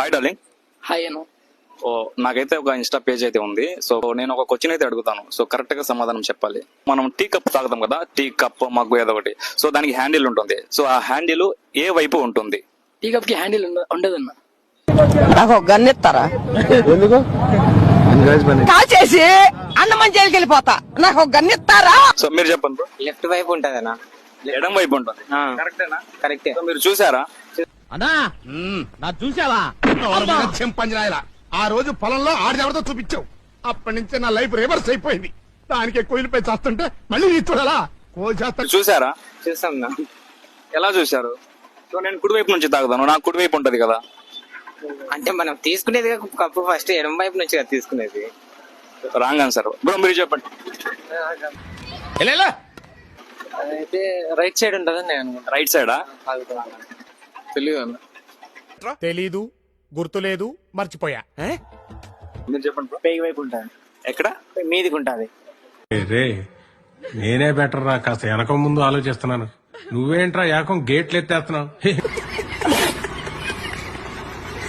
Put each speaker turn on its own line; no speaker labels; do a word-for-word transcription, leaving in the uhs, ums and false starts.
Hi darling.
Hi Anu.
ఓ నాకైతే ఒక ఇన్స్టా పేజ్ అయితే ఉంది. సో నేను ఒక క్వశ్చన్ అయితే అడుగుతాను. సో కరెక్ట్ గా సమాధానం చెప్పాలి. మనం టీ కప్ తాగుతాం కదా, టీ కప్ మగ్గు ఏదో ఒకటి. సో దానికి హ్యాండిల్ ఉంటుంది. సో ఆ హ్యాండిల్ ఏ వైపు ఉంటుంది?
టీ కప్ కి హ్యాండిల్ ఉండదన్న.
నాకు ఒక గన్ ఇస్తారా?
ఎందుకు
కాల్చేసి అన్నమని జైలుకి వెళ్ళిపోతా. నాకు ఒక గన్ ఇస్తారా?
సో మీరు చెప్పండి బ్రో.
లెఫ్ట్ వైపు ఉంటదనా?
ఎడం వైపు ఉంటుంది. కరెక్టేనా?
కరెక్టే.
సో మీరు చూసారా?
అన్నా నా చూసావా చెంపంజరాయలా ఆ రోజు పొలంలో ఆడెవరితో చూపించావు. అప్పటి నుంచే నా లైఫ్ రివర్స్ అయిపోయింది. దానికి కోయిలపై చేస్తుంటే మళ్ళీ నీ చూడాలా కోసేస్తా.
చూసారా?
చూసాం నా.
ఎలా చూసారు? సో నేను కుడి వైపు నుంచి తాగుతాను, నాకు కుడి వైపు ఉంటది కదా.
అంటే మనం తీసుకునేది కప్పు ఫస్ట్ ఎడం వైపు నుంచి కదా తీసుకునేది.
Wrong answer bro. మీరు చెప్పండి.
అయితే రైట్ సైడ్ ఉంటదని నేను అనుకుంటా.
రైట్ సైడా?
తెలియదు అన్న.
తెలీదు, గుర్తులేదు, మర్చిపోయా.
మీరు చెప్పండి బ్రో.
పేగి వైపు ఉంటది.
ఎక్కడ?
మీదికి ఉంటది.
రే నేనే బెటర్ రా, కాస్త వెనక ముందు ఆలోచిస్తున్నాను. నువ్వేంట్రా ఏకం గేట్లు ఎత్తేస్తున్నావు.